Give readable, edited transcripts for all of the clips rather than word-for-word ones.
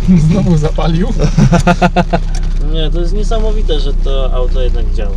Znowu zapalił. Nie, to jest niesamowite, że to auto jednak działa.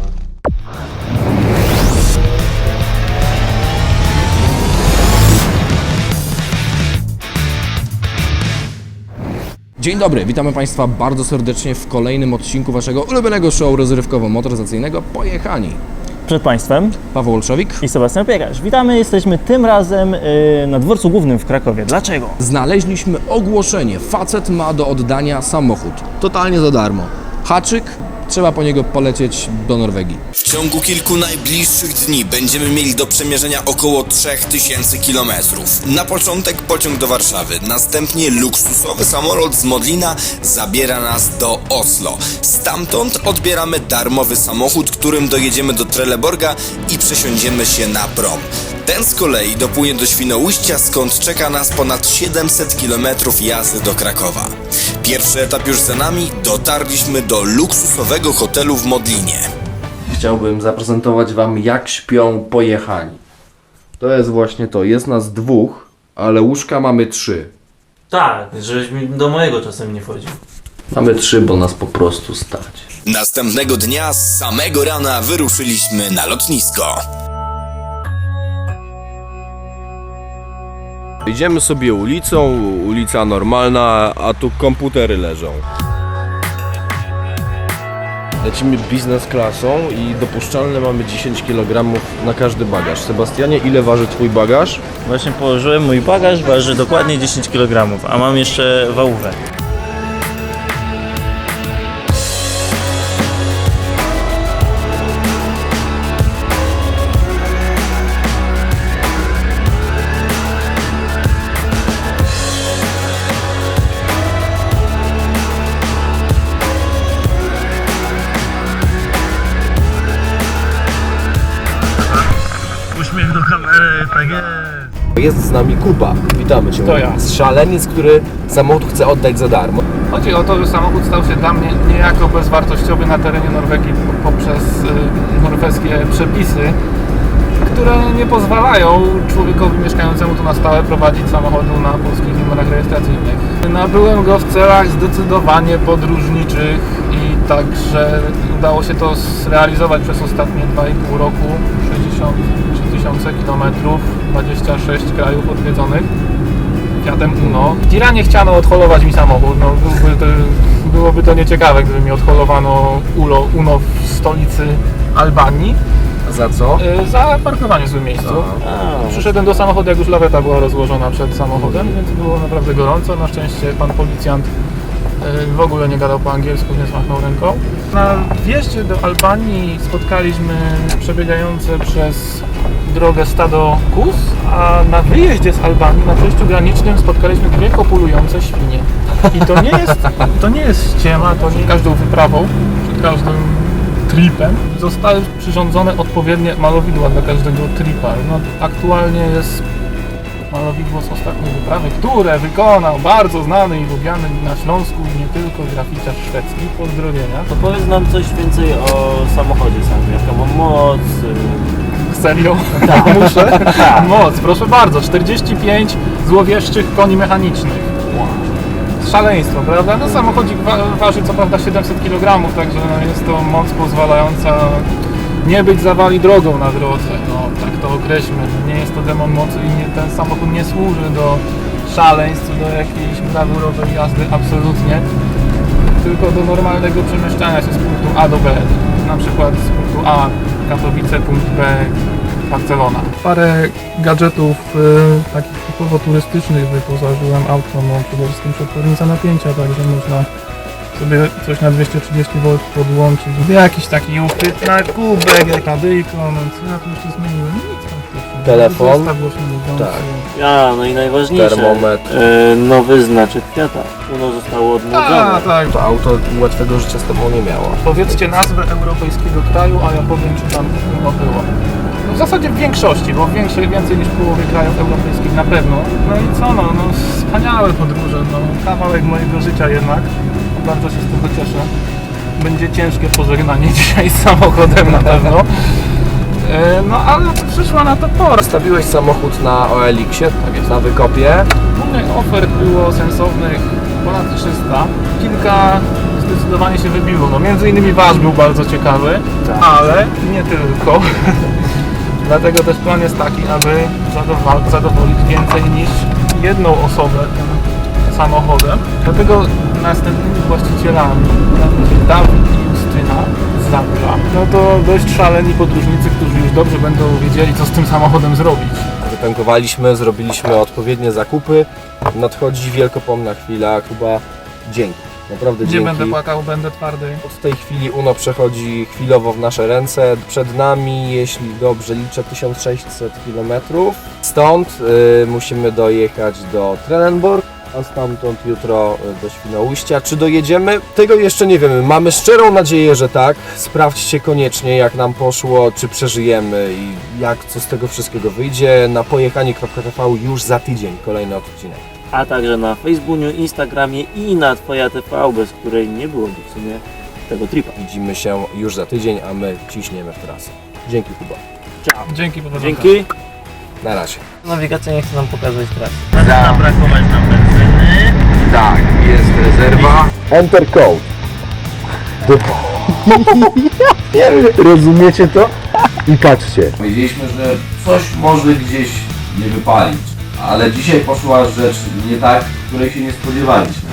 Dzień dobry, witamy Państwa bardzo serdecznie w kolejnym odcinku Waszego ulubionego show rozrywkowo-motoryzacyjnego Pojechani. Przed Państwem Paweł Olszowik. i Sebastian Piekarz. Witamy, jesteśmy tym razem na dworcu głównym w Krakowie. Dlaczego? Znaleźliśmy ogłoszenie. Facet ma do oddania samochód. Totalnie za darmo. Haczyk, trzeba po niego polecieć do Norwegii. W ciągu kilku najbliższych dni będziemy mieli do przemierzenia około 3000 km. Na początek pociąg do Warszawy, następnie luksusowy samolot z Modlina zabiera nas do Oslo. Stamtąd odbieramy darmowy samochód, którym dojedziemy do Trelleborga i przesiądziemy się na prom. Ten z kolei dopłynie do Świnoujścia, skąd czeka nas ponad 700 km jazdy do Krakowa. Pierwszy etap już za nami, dotarliśmy do luksusowego hotelu w Modlinie. Chciałbym zaprezentować Wam, jak śpią Pojechani. To jest właśnie to. Jest nas dwóch, ale łóżka mamy 3. Tak, żebyś mi do mojego czasem nie wchodził. Mamy 3, bo nas po prostu stać. Następnego dnia z samego rana wyruszyliśmy na lotnisko. Idziemy sobie ulicą, ulica normalna, a tu komputery leżą. Lecimy biznes klasą i dopuszczalne mamy 10 kg na każdy bagaż. Sebastianie, ile waży Twój bagaż? Właśnie położyłem, mój bagaż waży dokładnie 10 kg, a mam jeszcze wałówę. Uśmiech do kamery, tak jest. Jest z nami Kuba. Witamy Cię. To ja. Szaleniec, który samochód chce oddać za darmo. Chodzi o to, że samochód stał się dla mnie niejako bezwartościowy na terenie Norwegii poprzez norweskie przepisy, które nie pozwalają człowiekowi mieszkającemu tu na stałe prowadzić samochodu na polskich numerach rejestracyjnych. Nabyłem go w celach zdecydowanie podróżniczych i także udało się to zrealizować przez ostatnie 2,5 roku. 63 tysiące kilometrów, 26 krajów odwiedzonych Fiatem Uno. W Tiranie chciano odholować mi samochód, no, byłoby to nieciekawe, gdyby mi odholowano Uno w stolicy Albanii. Za co? Za parkowanie w złym miejscu. Przyszedłem do samochodu, jak już laweta była rozłożona przed samochodem, więc było naprawdę gorąco. Na szczęście pan policjant w ogóle nie gadał po angielsku, więc machnął ręką. Na wjeździe do Albanii spotkaliśmy przebiegające przez drogę stado kóz, a na wyjeździe z Albanii, na przejściu granicznym spotkaliśmy 2 kopulujące świnie. I to nie jest ściema, to nie każdą wyprawą, przed każdym tripem zostały przyrządzone odpowiednie malowidła dla każdego tripa. No, aktualnie jest malowidło z ostatniej wyprawy, które wykonał bardzo znany i lubiany na Śląsku i nie tylko graficzarz szwedzki. Pozdrowienia. To powiedz nam coś więcej o samochodzie samym, jaką ma moc. Serio? Tak. Muszę? Moc, proszę bardzo, 45 złowieszczych koni mechanicznych. Szaleństwo, prawda? No samochodzik waży co prawda 700 kg, także jest to moc pozwalająca nie być zawali drogą na drodze. No tak to określmy. Nie jest to demon mocy i ten samochód nie służy do szaleństw, do jakiejś brawurowej jazdy, absolutnie. Tylko do normalnego przemieszczania się z punktu A do B. Na przykład z punktu A Katowice, punkt B Barcelona. Parę gadżetów takich typowo turystycznych wyposażyłem auto, no przede wszystkim przetwornica napięcia, także można sobie coś na 230 V podłączyć. Jakiś taki uchwyt na kubek, kadyjko, no co ja tu jeszcze zmieniłem? Nic praktycznie. Telefon? Zestaw głośno-mówiący. Tak. A, no i najważniejsze. Termometr. Nowy znaczek Fiata. Uno zostało odnowione. Tak. To auto łatwego życia z Tobą nie miało. Powiedzcie nazwę europejskiego kraju, a ja powiem, czy tam Uno było. No w zasadzie w większości, bo więcej niż w połowie krajów europejskich na pewno. No i co, no wspaniałe podróże, no kawałek mojego życia jednak. Bardzo się z tego cieszę. Będzie ciężkie pożegnanie dzisiaj z samochodem na pewno. No ale przyszła na to pora. Stawiłeś samochód na OLX-ie, tak jest, na wykopie. Ofert było sensownych ponad 300. Kilka zdecydowanie się wybiło. No, między innymi wasz był bardzo ciekawy, ale nie tylko. Dlatego też plan jest taki, aby zadowolić więcej niż jedną osobę tym samochodem. Dlatego następnymi właścicielami będzie Dawid i Justyna z Zabrza. No to dość szaleni podróżnicy, którzy już dobrze będą wiedzieli, co z tym samochodem zrobić. Wytankowaliśmy, zrobiliśmy odpowiednie zakupy. Nadchodzi wielkopomna chwila. Kuba, dzięki. Naprawdę Gdzie dzięki. będę płakał, będę twardy. Od tej chwili Uno przechodzi chwilowo w nasze ręce. Przed nami, jeśli dobrze liczę, 1600 km. Stąd musimy dojechać do Trelleborg, a stamtąd jutro do Świnoujścia. Czy dojedziemy? Tego jeszcze nie wiemy. Mamy szczerą nadzieję, że tak. Sprawdźcie koniecznie, jak nam poszło, czy przeżyjemy i co z tego wszystkiego wyjdzie. Na pojechani.tv już za tydzień kolejny odcinek. A także na Facebooku, Instagramie i na Twoja TV, bez której nie byłoby w sumie tego tripa. Widzimy się już za tydzień, a my ciśniemy w trasę. Dzięki, Kuba. Dzięki, powodzenia. Dzięki. Na razie. Nawigacja nie chce nam pokazać trasy. Zaczyna brakować nam benzyny. Tak, jest rezerwa. Enter code. Rozumiecie to? I patrzcie. Wiedzieliśmy, że coś może gdzieś nie wypalić, ale dzisiaj poszła rzecz nie tak, której się nie spodziewaliśmy.